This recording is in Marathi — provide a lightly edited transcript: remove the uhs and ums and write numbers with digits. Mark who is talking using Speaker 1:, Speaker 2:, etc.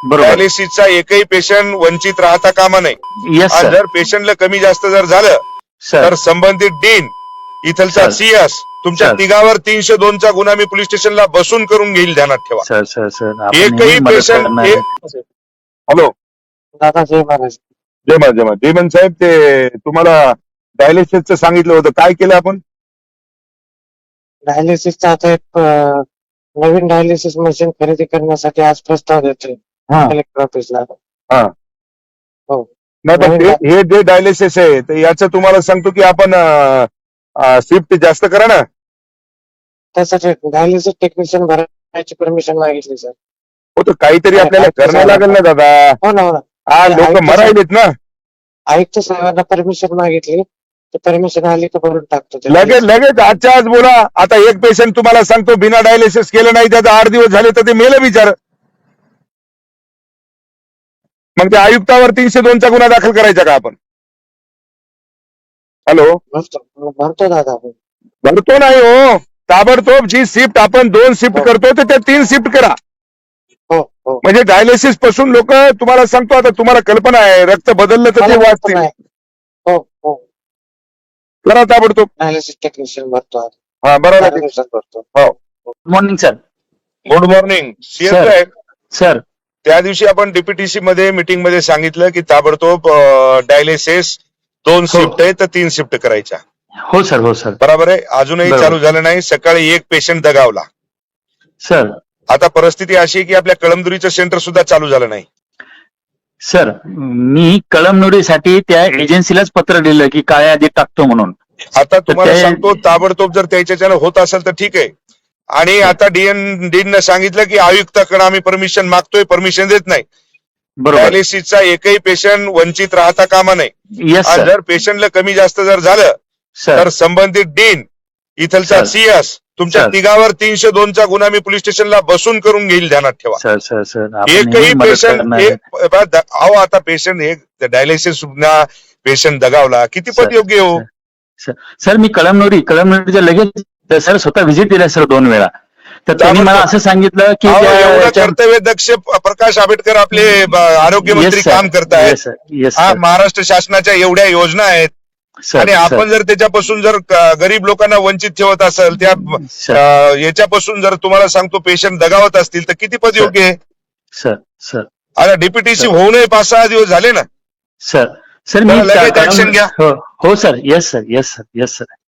Speaker 1: बरोबर.
Speaker 2: डायलिसिसचा एकही पेशंट वंचित राहता कामा नये.
Speaker 1: येस
Speaker 2: आणि
Speaker 1: सर.
Speaker 2: जर पेशंटला कमी जास्त जर झालं
Speaker 1: सर
Speaker 2: तर संबंधित डीन इथलचा
Speaker 1: सर.
Speaker 2: सीएस तुमच्या
Speaker 1: सर.
Speaker 2: तिघावर 302 चा गुन्हा मी पोलीस स्टेशनला बसून करून घेईल, ध्यानात ठेवा.
Speaker 1: सर सर सर आपण
Speaker 2: एकही
Speaker 1: नेहमी मदत
Speaker 2: पेशंट
Speaker 1: करणार आहे.
Speaker 2: हॅलो
Speaker 3: दादा जय महाराज.
Speaker 2: जय मा जय मा देमन साहेब, ते तुम्हाला डायलिसिसचं सांगितलं होतं, काय केलं आपण?
Speaker 3: डायलिसिसचा आता एक नवीन डायलिसिस मशीन खरेदी करण्यासाठी आज प्रस्ताव देतोय कलेक्टर ऑफिसला.
Speaker 2: हा.
Speaker 3: हो.
Speaker 2: नाही पण हे जे डायलिसिस आहे तर याचं तुम्हाला सांगतो की आपण शिफ्ट जास्त करा ना.
Speaker 3: त्यासाठी डायलिसिस टेक्निशियन भरायची परमिशन मागितली सर.
Speaker 2: हो, तर काहीतरी आपल्याला करणं लागेल ना दादा.
Speaker 3: हो ना, हो ना.
Speaker 2: हा, लोक मरायलेत ना.
Speaker 3: आयुक्त साहेबांना परमिशन मागितली, ते परमिशन आली तर भरून टाकतो ते.
Speaker 2: लगेच आजच्या आज बोला. आता एक पेशंट तुम्हाला सांगतो बिना डायलिसिस केलं नाही, त्याचा 8 दिवस झाले तर ते मेलं बिचार. मग त्या आयुक्तावर 302 चा गुन्हा दाखल करायचा का आपण? हॅलो,
Speaker 3: भरतो दादा आपण.
Speaker 2: भरतो नाही हो, ताबडतोब जी शिफ्ट आपण 2 शिफ्ट करतो तर त्या 3 शिफ्ट करा.
Speaker 3: हो हो.
Speaker 2: म्हणजे डायलिसिस पासून लोक, तुम्हाला सांगतो आता, तुम्हाला कल्पना आहे रक्त बदललं तर ते वाचते.
Speaker 3: हो हो.
Speaker 2: करा ताबडतोब.
Speaker 3: डायलिसिस टेक्निशियन भरतो आज.
Speaker 2: हा, बरोबर.
Speaker 3: 4 दिवसात भरतो.
Speaker 2: हो.
Speaker 1: Good morning sir.
Speaker 2: Good morning CS
Speaker 1: sir.
Speaker 2: साहेब.
Speaker 1: सर
Speaker 2: त्या दिवशी आपण डीपीटीसी मध्ये मीटिंग मध्ये सांगितलं की ताबडतोब डायलिसिस 2 शिफ्ट आहे तर 3 शिफ्ट करायच्या.
Speaker 1: हो सर. हो सर.
Speaker 2: बरोबर आहे. अजूनही
Speaker 1: बरोबर.
Speaker 2: चालू झालं नाही. सकाळी एक पेशंट दगावला.
Speaker 1: सर.
Speaker 2: आता परिस्थिती अशी आहे की आपल्या कळमदुरीचं सेंटर सुद्धा चालू झालं नाही.
Speaker 1: सर मी कळमनुरीसाठी त्या एजन्सीलाच पत्र दिलं की काळ्या यादीत टाकतो म्हणून.
Speaker 2: आता तुम्हाला
Speaker 1: ते-
Speaker 2: सांगतो, ताबडतोब जर त्याच्याच्यानं होत असेल तर ठीक आहे. आणि आता डीन सांगितलं की आयुक्ताकडे आम्ही परमिशन मागतोय, परमिशन देत नाही.
Speaker 1: बरोबर.
Speaker 2: डायलिसिसचा एकही पेशंट वंचित राहता कामा नये.
Speaker 1: येस
Speaker 2: आणि
Speaker 1: सर.
Speaker 2: जर पेशंटला कमी जास्त जर झालं
Speaker 1: सर
Speaker 2: तर संबंधित डीन इथलचा
Speaker 1: सर.
Speaker 2: सीएस तुमच्या
Speaker 1: सर.
Speaker 2: तिघावर 302 चा गुन्हा मी पोलीस स्टेशनला बसून करून घेईल, ध्यानात ठेवा.
Speaker 1: सर सर सर आपण
Speaker 2: एकही
Speaker 1: नेहमी मदत
Speaker 2: पेशंट
Speaker 1: करणार आहे.
Speaker 2: अहो, आता पेशंट हे डायलिसिस पेशंट दगावला, किती
Speaker 1: सर.
Speaker 2: पद योग्य हो.
Speaker 1: सर मी कळमनुरीच्या लगेच सर स्वतः व्हिजिट दिला सर 2 वेळा. तर त्यांनी मला असं सांगितलं की
Speaker 2: अहो, एवढं
Speaker 1: त्या-
Speaker 2: कर्तव्य दक्ष प्रकाश आंबेडकर आपले आरोग्य मंत्री
Speaker 1: Yes, sir.
Speaker 2: काम करतायत.
Speaker 1: Yes, sir. Yes,
Speaker 2: हा,
Speaker 1: sir.
Speaker 2: महाराष्ट्र शासनाच्या एवढ्या योजना आहेत
Speaker 1: सर,
Speaker 2: आणि आपण
Speaker 1: सर,
Speaker 2: जर त्याच्यापासून जर गरीब लोकांना वंचित ठेवत असेल, त्या
Speaker 1: सर,
Speaker 2: याच्यापासून जर तुम्हाला सांगतो पेशंट दगावत असतील तर किती पद
Speaker 1: सर.
Speaker 2: योग्य आहे.
Speaker 1: सर सर
Speaker 2: आता डीपीटीसी
Speaker 1: सर.
Speaker 2: होऊनही 5-6 दिवस झाले ना.
Speaker 1: सर सर मी
Speaker 2: लगेच action घ्या.
Speaker 1: हो sir. Yes sir. Yes sir. Yes sir.